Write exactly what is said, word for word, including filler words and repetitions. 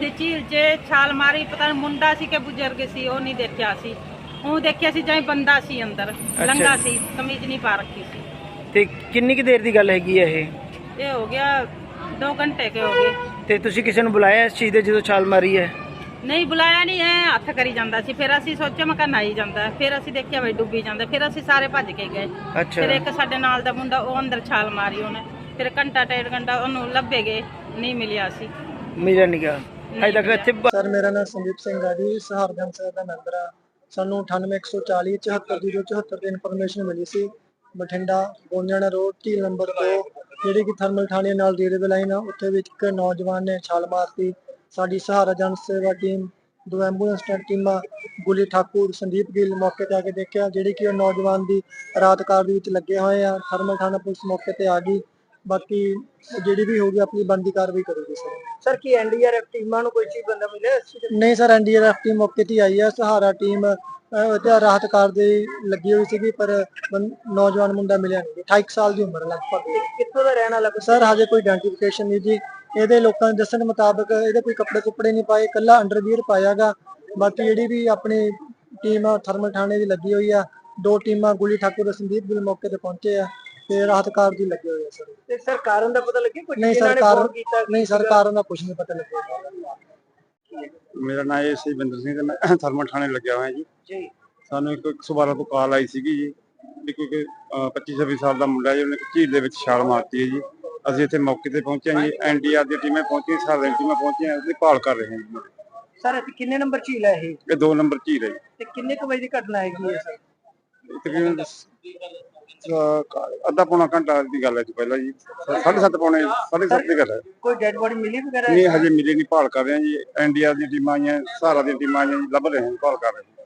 ਵੀ ਝੀਲ 'ਚ ਛਾਲ ਮਾਰੀ, ਪਤਾ ਨਹੀਂ ਮੁੰਡਾ ਸੀ ਕਿ ਬਜ਼ੁਰਗ ਸੀ, ਉਹ ਨਹੀਂ ਦੇਖਿਆ ਸੀ। ਉਹ ਦੇਖਿਆ ਸੀ ਜਿਵੇਂ ਬੰਦਾ ਸੀ ਅੰਦਰ ਲੰਗਾ ਸੀ, ਕਮੀਜ਼ ਨਹੀਂ ਪਾ ਰੱਖੀ ਸੀ। ਤੇ ਕਿੰਨੀ ਕੁ ਦੇਰ ਦੀ ਗੱਲ ਹੈਗੀ ਹੈ ਇਹ? ਇਹ ਹੋ ਗਿਆ ਦੋ ਘੰਟੇ ਕੇ ਹੋ ਗਏ। ਤੇ ਤੁਸੀਂ ਕਿਸੇ ਨੂੰ ਬੁਲਾਇਆ ਇਸ ਚੀਜ਼ ਦੇ ਜਦੋਂ ਛਾਲ ਮਾਰੀ ਹੈ? ਨਹੀਂ ਬੁਲਾਇਆ ਨਹੀਂ, ਐ ਹੱਥ ਕਰੀ ਜਾਂਦਾ ਸੀ। ਫਿਰ ਅਸੀਂ ਸੋਚਿਆ ਮੈਂ ਕਿਹਾ ਨਹਾਈ ਜਾਂਦਾ, ਫਿਰ ਅਸੀਂ ਦੇਖਿਆ ਬਈ ਡੁੱਬੀ ਜਾਂਦਾ। ਫਿਰ ਅਸੀਂ ਸਾਰੇ ਭੱਜ ਕੇ ਗਏ। ਅੱਛਾ। ਫਿਰ ਇੱਕ ਸਾਡੇ ਨਾਲ ਦਾ ਮੁੰਡਾ ਉਹ ਅੰਦਰ ਛਾਲ ਮਾਰੀ ਉਹਨੇ। ਫਿਰ ਘੰਟਾ ਡੇਢ ਘੰਟਾ ਉਹਨੂੰ ਲੱਭੇ ਗਏ, ਨਹੀਂ ਮਿਲਿਆ ਸੀ। ਮੇਰਾ ਨਿਗਾ ਅਜੇ ਤੱਕ ਇੱਥੇ। ਸਰ ਮੇਰਾ ਨਾਮ ਸੰਦੀਪ ਸਿੰਘ ਆ ਜੀ, ਸਹਾਰਗੰਜ ਸਾਹਿਬ ਦਾ ਮੈਂਬਰ ਆ। ਸਾਨੂੰ ਅਠਾਨਵੇਂ ਇੱਕ ਸੌ ਚਾਲੀ ਚੁਹੱਤਰ ਜ਼ੀਰੋ ਚੁਹੱਤਰ ਦੀ ਇਨਫੋਰਮੇਸ਼ਨ ਮਿਲੀ ਸੀ। ਬਠਿੰਡਾ ਗੋਨਿਆਣਾ ਰੋਡ ਝੀਲ ਨੰਬਰ ਦੋ, ਜਿਹੜੀ ਕਿ ਥਰਮਲ ਥਾਣੇ ਨਾਲ ਰੇਲਵੇ ਲਾਈਨ ਆ, ਉੱਥੇ ਵਿੱਚ ਇੱਕ ਨੌਜਵਾਨ ਨੇ ਛਾਲ ਮਾਰਤੀ। ਸਾਡੀ ਸਹਾਰਾ ਜਨ ਸੇਵਾ ਟੀਮ, ਦੋ ਐਂਬੂਲੈਂਸ ਟੀਮਾਂ, ਗੁਲੀ ਠਾਕੁਰ, ਸੰਦੀਪ ਗਿੱਲ ਮੌਕੇ ਤੇ ਆ ਕੇ ਦੇਖਿਆ, ਜਿਹੜੀ ਕਿ ਉਹ ਨੌਜਵਾਨ ਦੀ ਰਾਤ ਕਾਰ ਦੇ ਵਿੱਚ ਲੱਗੇ ਹੋਏ ਆ। ਥਰਮਲ ਥਾਣਾ ਪੁਲਿਸ ਮੌਕੇ ਤੇ ਆ ਗਈ। ਬਾਕੀ ਜਿਹੜੀ ਵੀ ਹੋਗੀ ਆਪਣੀ ਬਣਦੀ ਕਾਰਵਾਈ ਕਰੂਗੀ। ਸਰ ਸਰ ਕੀ ਐਨਡੀਆਰਐਫ ਟੀਮਾਂ ਨੂੰ ਕੋਈ ਚੀਜ਼ ਬੰਦਾ ਮਿਲਿਆ? ਨਹੀਂ ਸਰ, ਐਨਡੀਆਰਐਫ ਟੀਮ ਮੌਕੇ ਤੇ ਆਈ ਆ। ਸਹਾਰਾ ਟੀਮ ਉਹਦੇ ਰਾਹਤ ਕਾਰ ਦੇ ਲੱਗੀ ਹੋਈ ਸੀਗੀ, ਪਰ ਨੌਜਵਾਨ ਮੁੰਡਾ ਮਿਲਿਆ ਨਹੀਂ। ਅਠਾਈ ਸਾਲ ਦੀ ਉਮਰ ਲਗਭਗ। ਕਿੱਥੋਂ ਦਾ ਰਹਿਣ ਵਾਲਾ? ਸਰ ਹਜੇ ਕੋਈ ਆਇਡੈਂਟੀਫਿਕੇਸ਼ਨ ਨਹੀਂ ਜੀ। ਇਹਦੇ ਲੋਕਾਂ ਦੇ ਦੱਸਣ ਮੁਤਾਬਕ ਇਹਦੇ ਕੋਈ ਕੱਪੜੇ ਕੁੱਪੜੇ ਨਹੀਂ ਪਾਏ, ਇਕੱਲਾ ਅੰਡਰਵੀਅਰ ਪਾਇਆਗਾ। ਬਾਕੀ ਜਿਹੜੀ ਵੀ ਆਪਣੀ ਟੀਮ ਥਰਮਲ ਥਾਣੇ ਦੀ ਲੱਗੀ ਹੋਈ ਆ, ਦੋ ਟੀਮਾਂ ਗੁਲੀ ਠਾਕੁਰ, ਸੰਦੀਪ ਗਿੱਲ ਮੌਕੇ ਤੇ ਪਹੁੰਚੇ ਆ ਤੇ ਰਾਹਤ ਕਾਰ ਦੀ ਲੱਗੇ ਹੋਏ ਆ। ਸਰ ਤੇ ਸਰ ਕਾਰਨ ਦਾ ਪਤਾ ਲੱਗਿਆ ਕੋਈ? ਨਹੀਂ ਸਰ, ਕਾਰਨ ਨਹੀਂ ਸਰ, ਕਾਰਨ ਦਾ ਕੁਝ ਨਹੀਂ ਪਤਾ ਲੱਗਿਆ। ਮੇਰਾ ਨਾਮ ਇਹ ਸਿਵਿੰਦਰ ਸਿੰਘ ਤੇ ਮੈਂ ਥਰਮਲ ਥਾਣੇ ਲੱਗਿਆ ਹੋਇਆ ਜੀ। ਜੀ ਸਾਨੂੰ ਇੱਕ ਇੱਕ ਸੌ ਬਾਰਾਂ ਤੋਂ ਕਾਲ ਆਈ ਸੀਗੀ ਜੀ ਵੀ ਕੋਈ ਪੱਚੀ ਛੱਬੀ ਸਾਲ ਦਾ ਮੁੰਡਾ ਜੀ, ਉਹਨੇ ਝੀਲ ਦੇ ਵਿੱਚ ਛਾਲ ਮਾਰਤੀ ਹੈ ਜੀ। ਅਸੀਂ ਇੱਥੇ ਮੌਕੇ ਤੇ ਪਹੁੰਚੇ ਹਾਂ ਜੀ। ਐਨਡੀਆਰ ਦੀ ਟੀਮਾਂ ਪਹੁੰਚੀਆਂ, ਸਾਰੀਆਂ ਟੀਮਾਂ ਪਹੁੰਚੀਆਂ, ਉਹਦੀ ਭਾਲ ਕਰ ਰਹੇ ਹਾਂ ਜੀ। ਸਰ ਇੱਥੇ ਕਿੰਨੇ ਨੰਬਰ ਝੀਲ ਹੈ ਇਹ? ਇਹ ਦੋ ਨੰਬਰ ਝੀਲ ਹੈ ਜੀ। ਤੇ ਕਿੰਨੇ ਕੁ ਵਜੇ ਦੀ ਘਟਨਾ ਹੈਗੀ ਹੈ ਸਰ? ਤਕਰੀਬਨ ਅੱਧਾ ਪੌਣਾ ਘੰਟਾ ਦੀ ਗੱਲ ਹੈ ਜੀ ਪਹਿਲਾਂ ਜੀ। ਸਾਢੇ ਸੱਤ ਪੌਣੇ ਸਾਢੇ ਸੱਤ ਦੀ ਗੱਲ ਹੈ। ਕੋਈ ਡੈਡ ਬੋਡੀ ਮਿਲੀ ਵਗੈਰਾ? ਨਹੀਂ ਹਜੇ ਮਿਲੀ ਨਹੀਂ, ਭਾਲ ਕਰ ਰਹੇ ਹਾਂ ਜੀ। ਐਨਡੀਆਰ ਦੀਆਂ ਟੀਮਾਂ ਆਈਆਂ, ਸਹਾਰਾ ਦੀਆਂ ਟੀਮਾਂ ਆਈਆਂ ਜੀ, ਲੱਭ ਰਹੇ ਹਾਂ, ਭਾਲ ਕਰ ਰਹੇ ਹਾਂ।